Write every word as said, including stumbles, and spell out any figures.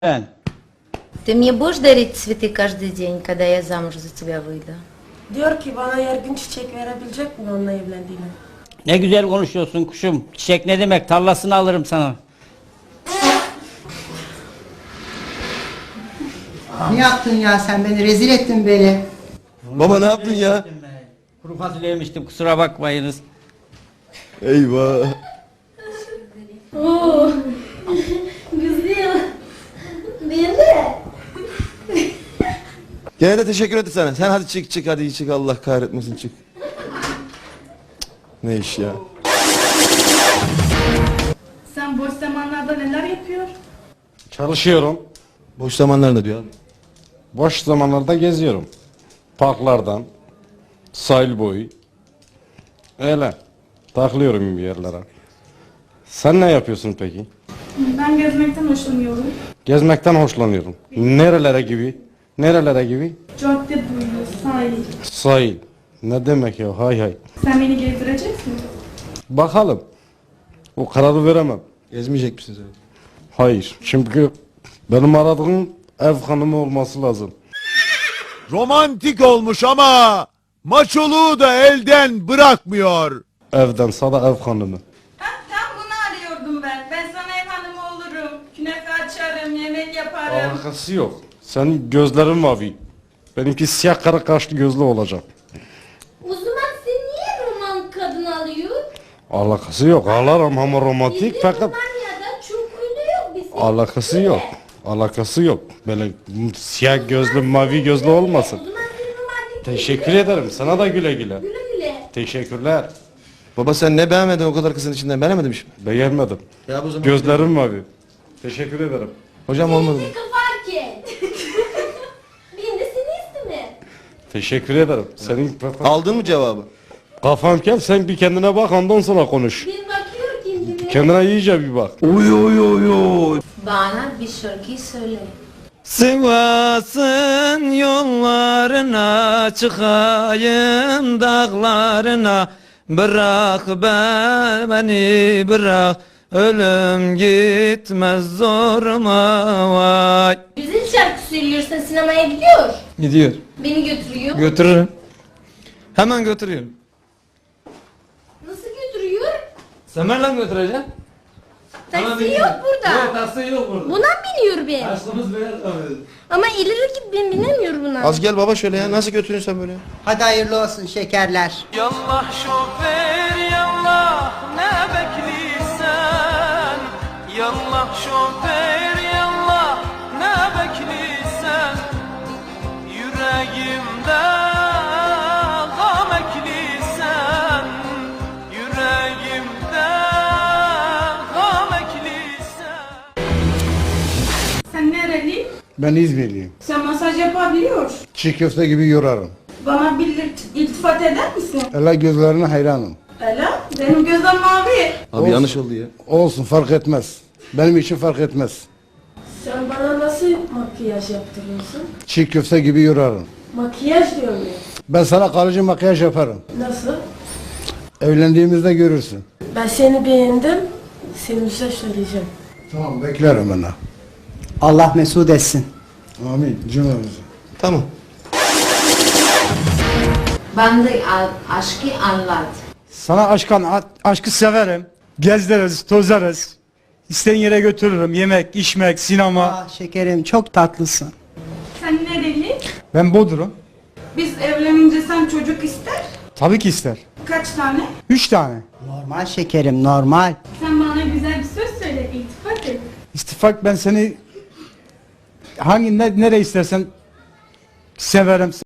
Ты мне будешь дарить цветы каждый день, когда я замуж за тебя выйду? Diyor ki bana her gün çiçek verebilecek mi onunla evlendiğine? Ne güzel konuşuyorsun kuşum. Çiçek ne demek? Tarlasını alırım sana. Ne yaptın ya sen beni rezil ettin beni. Baba ne yaptın ya? Kuru fasulye yemiştim, kusura bakmayınız. Eyvah. Oo, güzel. Değil mi? Gene de teşekkür etti sana. Sen hadi çık çık hadi çık Allah kahretmesin çık. Ne iş ya? Sen boş zamanlarda neler yapıyor? Çalışıyorum. Boş zamanlarında diyor abi. Boş zamanlarda geziyorum. Parklardan, sahil boyu. Öyle. Takılıyorum bir yerlere. Sen ne yapıyorsun peki? Ben gezmekten hoşlanıyorum. Gezmekten hoşlanıyorum. Nerelere gibi? Nerelere gibi? Cadde boyu, sahil. Sahil. Ne demek ya? Hay hay. Sen beni gezdireceksin. Bakalım. O kararı veremem. Gezmeyecek misiniz abi? Hayır. Çünkü benim aradığım ev hanımı olması lazım. Romantik olmuş ama maçoluğu da elden bırakmıyor. Evden sada ev hanımı. Ha, tam bunu arıyordum ben. Ben sana ev hanımı olurum. Künefe açarım, yemek yaparım. Alakası yok. Senin gözlerin mavi. Benimki siyah kara kaşlı gözlü olacak. O zaman sen niye roman kadın alıyor? Alakası yok. Ağlarım ama romantik fakat Romanya'da çukurlu yok bizim. alakası yok. Alakası yok. Böyle siyah gözlü mavi gözlü olmasın. O zaman sen romantik Teşekkür ederim. Sana da güle güle. güle güle. Teşekkürler. Baba sen ne beğenmedin o kadar kızın içinden beğenmedin mi? Beğenmedim. Ya bu zaman. Gözlerim mavi. Teşekkür ederim. Hocam olmadı mı? Bizi fark et. Ben de seni isteme. Teşekkür ederim. Senin Aldın mı cevabı? kafam kel, sen bir kendine bak ondan sonra konuş. Ben bakıyorum kendime. Kendine iyice bir bak. Oy oy oy oy. Bana bir şarkı söyle. Sivas'ın yollarına çıkayım dağlarına. Bırak ben beni bırak. Ölüm gitmez zoruma vay. Güzel şarkı söylüyorsan sinemaya gidiyor. Gidiyor. Beni götürüyor. Götürürüm. Hemen götürüyorum. Nasıl götürüyor? Semerle götüreceğim. Taksi yok burada. Yok taksi yok burada. Buna biniyor ben. Aşkımız beyaz tabii. Ama ileri git ben binemiyorum buna. Az gel baba şöyle ya nasıl götürüyorsun sen böyle? Hadi hayırlı olsun şekerler. Yallah şoför yallah ne bekliysen. Yallah şoför yallah ne bekliysen. Yüreğimde gam ekliysen. Yüreğimde gam ekliysen. Sen nereli? Ben İzmirliyim. Sen masaj yapabiliyor. Çiğ köfte gibi yorarım. Bana bir iltifat eder misin? Ela gözlerine hayranım. Öyle. Benim gözüm mavi. Abi yanlış oldu ya. Olsun fark etmez. Benim için fark etmez. Sen bana nasıl makyaj yaptırıyorsun? Çiğ köfte gibi yorarım. Makyaj diyor muyum? Ben sana kalıcı makyaj yaparım. Nasıl? Evlendiğimizde görürsün. Ben seni beğendim. Seni bir şey söyleyeceğim. Tamam beklerim ben. Allah mesut etsin. Amin cümlemizi. Tamam. Bana aşkı anlat. Sana aşkan, aşkı severim. Gezdiririz, tozarız. İstediğin yere götürürüm. Yemek, içmek, sinema. Ah şekerim çok tatlısın. Sen nereli? Ben Bodrum. Biz evlenince sen çocuk ister. Tabii ki ister. Kaç tane? Üç tane. Normal şekerim normal. Sen bana güzel bir söz söyle, iltifat et. İstifak ben seni hangi ne, nereye istersen severim.